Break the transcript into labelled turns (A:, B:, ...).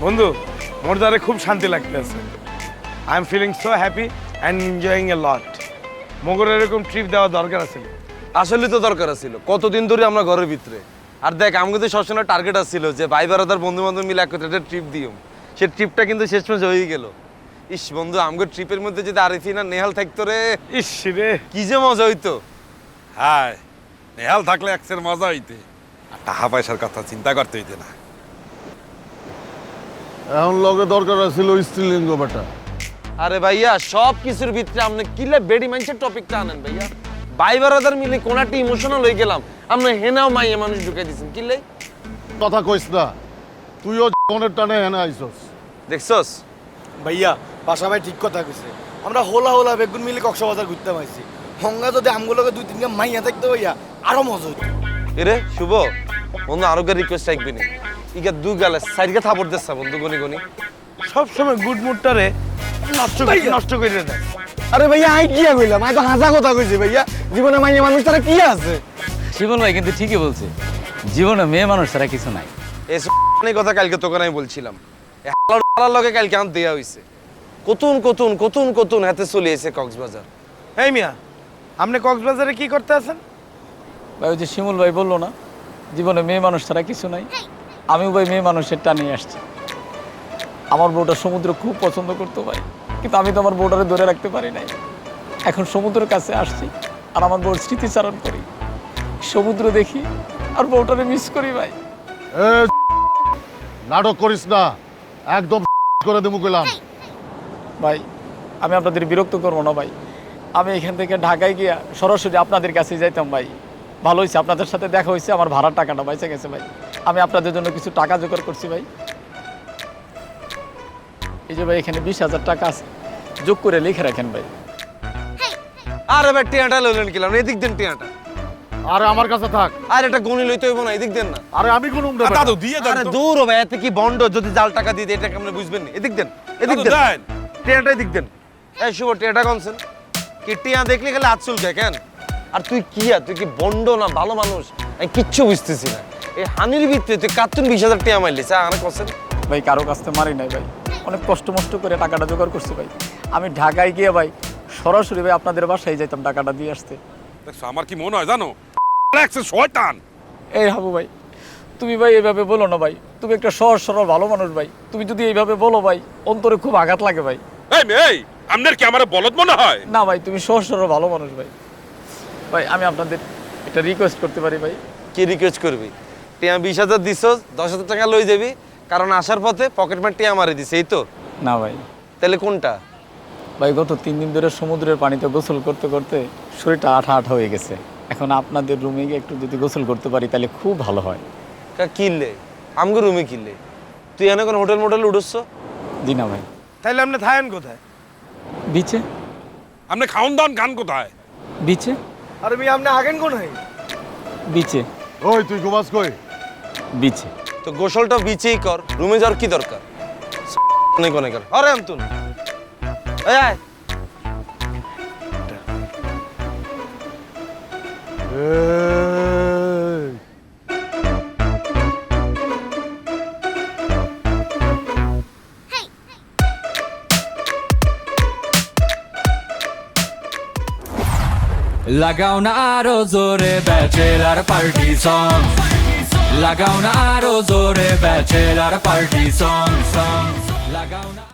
A: বন্ধু মোর দ্বারে খুব শান্তি লাগতেছে। I am feeling so happy and enjoying a lot. মগর এরকম ট্রিপ দেওয়া দরকার আছে।
B: আসলে তো দরকার ছিল, কতদিন ধরে আমরা ঘরের ভিতরে। আর দেখ আমাকে তো সবসময় টার্গেট আসছিল যে ভাই বারাদার বন্ধু বান্ধব মিলে এক একটা ট্রিপ দিও। সে ট্রিপটা কিন্তু শেষমেশ হয়ে গেল। ইস বন্ধু, আমাকে ট্রিপের মধ্যে যদি আরিফিন আর নেহাল থাকতো রে,
A: ইস রে,
B: কি যে মজা হইতো।
C: হায়, নেহাল থাকলে একসের মজা হইতে, আর টাকা পয়সার কথা চিন্তা করতে হইতে না।
D: এখন লগে দরকার ছিল স্ত্রীলিঙ্গ বেটা।
B: আরে ভাইয়া সব কিছুর ভিতরে আপনি কিলে বেডি মানুষের টপিকটা আনেন ভাইয়া। ভাই বারাদার মিলে কোনাটি ইমোশনাল হয়ে গেলাম, আপনি হেনাও মাইয়া মানুষ ঢুকাই দিচ্ছেন কিলে।
D: কথা কইস না, তুইও জীবনের টানে হেনে আইসস।
B: দেখছস
E: ভাইয়া বাসা ভাই ঠিক কথা কইছে। আমরা হোলা হোলা বেগুন মিলে কক্সবাজার ঘুরতে পাইছি। হঙ্গা যদি আমগুলোকে দুই তিনটা মাইয়া থাকতে ভাইয়া আরো মজা হইতো।
B: এরে শুভ বন্ধু, আরো কে রিকোয়েস্ট রাখবি নি। ইগা দুই গালে সাইডকে থাপড় দিচ্ছা বন্ধু, গনি গনি
A: সব সময় গুড মুডটারে নষ্ট করে দেয়।
E: আরে ভাইয়া আই কি কইলাম, আই তো হাজা কথা কইছি ভাইয়া। জীবনে মাইয়া মানুষ তারা কি আছে?
F: শিবন ভাই কিন্তু ঠিকই বলছে, জীবনে মেয়ে মানুষ ছাড়া কিছু নাই।
B: এই কথা কালকে তোকে আমি বলছিলাম। এই হালার লগে কালকে আম দেয়া হইছে। কতুন কতুন কতুন কতুন হাতে চলে এসে কক্সবাজার।
A: এই মিয়া, আপনি কক্সবাজারে কি করতে আছেন?
F: ভাই ওই যে শিমুল ভাই বললো না, জীবনে মেয়ে মানুষ ছাড়া কিছু নাই, আমিও ভাই মেয়ে মানুষের টানে আসছি। আমার বউটা সমুদ্র খুব পছন্দ করতো ভাই, কিন্তু আমি তো আমার বউটারে ধরে রাখতে পারি নাই। এখন সমুদ্রের কাছে আসছি আর আমার বউর স্মৃতিচারণ করি, সমুদ্র দেখি আর বউটারে মিস করি ভাই।
D: এ নাটক করিস না, একদম করে দেবো কইলাম।
F: ভাই আমি আপনাদের বিরক্ত করবো না ভাই, আমি এখান থেকে ঢাকায় গিয়া সরাসরি আপনাদের কাছে যাইতাম ভাই। ভালো হয়েছে আপনাদের সাথে দেখা হয়েছে, আমার ভাড়ার টাকাটা বেঁচে গেছে ভাই। আমি আপনাদের জন্য কিছু টাকা জোগাড় করছি ভাই। এই যে ভাই এখানে 20,000 টাকা আছে, যোগ করে লিখে রাখেন ভাই।
B: আরে ভাই টিয়াটা লইলেন কিলাম, এদিক দেন টিয়াটা।
D: আরে আমার কাছে থাক।
B: আর এটা গনি লইতে হইব না, এদিক দেন না।
D: আরে আমি কোন
C: দাদু দিয়ে দেন
B: আরে
C: তো।
B: দূর ভাই, এতে কি বন্ড, যদি জাল টাকা দিয়ে দেয় এটা কেমনে বুঝবেন না। এদিক দেন, এদিক
C: দাদু
B: দেন
C: দেন।
B: টিয়াটা, এদিক দেন। এই শুভ টিয়াটা কনছেন কি? টিয়া দেখলে খালি হাত চুলকায় কেন? আর তুই কি তুই কি বন্ড না ভালো মানুষ? আমি কিচ্ছু বুঝতেছি না। এই হানির ভিতরে তুই কার্তুন 20,000 টিয়া মারলিস, আর কনছেন
F: ভাই কারো কাছ থেকে মারি নাই ভাই, অনেক কষ্ট মষ্ট করে টাকাটা জোগাড় করছি ভাই। আমি ঢাকায় গিয়ে ভাই সরাসরি ভাই আপনাদের বাসায় যাইতাম টাকাটা দিয়ে আসতে।
C: দেখছো আমার কি মনে হয় জানো, একসের শয়তান।
F: এই হাবু ভাই, তুমি ভাই এইভাবে বলো না ভাই, তুমি একটা সহজ সরল ভালো মানুষ ভাই, তুমি যদি এইভাবে বলো ভাই অন্তরে খুব আঘাত লাগে ভাই।
C: এই আপনার কি আমার বলদ মনে হয়?
F: না ভাই, তুমি সহজ সরল ভালো মানুষ ভাই। ভাই আমি আপনাদের একটা রিকোয়েস্ট করতে পারি ভাই?
B: কি রিকোয়েস্ট করবি? টিয়া 20,000 দিছ, 10,000 টাকা লই যাবি, কারণ আসার পথে পকেট মার টিয়া মারি দিছে, এই তো?
F: না ভাই,
B: তাহলে কোনটা?
F: ভাই গত 3 দিন ধরে সমুদ্রের পানিতে গোসল করতে করতে শরীরটা আঠা আঠা হয়ে গেছে। এখন আপনাদের রুমে গিয়ে একটু যদি গোসল করতে পারি তাহলে খুব ভালো হয়।
B: কিনলে আমগো রুমে কিনলে? তুই এনে কোন হোটেল মোটেল উঠছ?
F: জি না ভাই।
A: তাইলে আপনি থাকেন কোথায়?
F: বিচে।
C: আপনি খাওন দান গান কোথায়?
F: বিচে।
E: আরে ভাই আপনি আগেন কোন হয়?
F: বিচে।
D: ওই তুই ঘুমাস কই?
F: বিচে।
B: তো গোসলটা বিচেই কর, রুমে যাওয়ার কি দরকার? অনেক অনেক আরে আমতুন এই আয়।
D: এই
G: লাগাও না আরো জোরে ব্যাচেলার পার্টি সং, লাগাও না আরো জোরে ব্যাচেলার পার্টি সং, লাগাও না।